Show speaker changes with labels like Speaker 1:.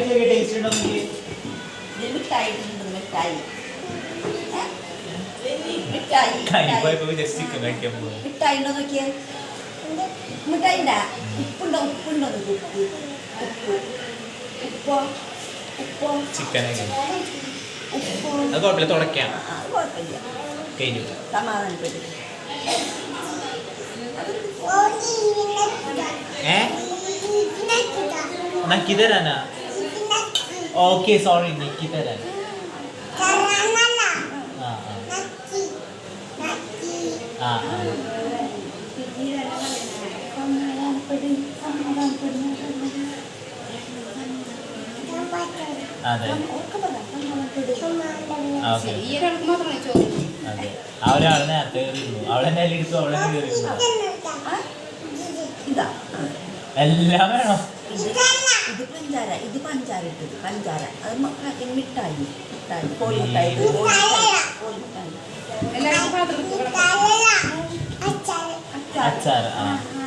Speaker 1: Taste ഉണ്ടോ നോക്കി.
Speaker 2: മിഠായി ഉണ്ടോ നോക്കിയേ. മിഠായി ഉപ്പുണ്ടോ ഉപ്പ് ഉപ്പോ
Speaker 1: ചിക്കനൊക്കെ
Speaker 2: ഉപ്പോ
Speaker 1: അത് കുഴപ്പമില്ല, തുടയ്ക്കാം.
Speaker 2: അത് കുഴപ്പമില്ല.
Speaker 1: കഴിഞ്ഞു.
Speaker 2: സമാധാനപ്പെട്ടു.
Speaker 1: നക്കി തരാനാ? ഓക്കെ സോറി, നക്കി തരാൻ. ആ അതെ അതെ. ആ ഒരാൾ നേരത്തെ കയറിയിരുന്നു, അവളെന്നെ എടുത്തു, അവളെന്നെ കയറിയിരുന്നു. എല്ലാം വേണോ?
Speaker 2: ഇത് പഞ്ചാര ഇട്ടത് പഞ്ചാര. അത് മിഠായി കോഴിമിഠായി.
Speaker 1: അച്ചാർ. ആ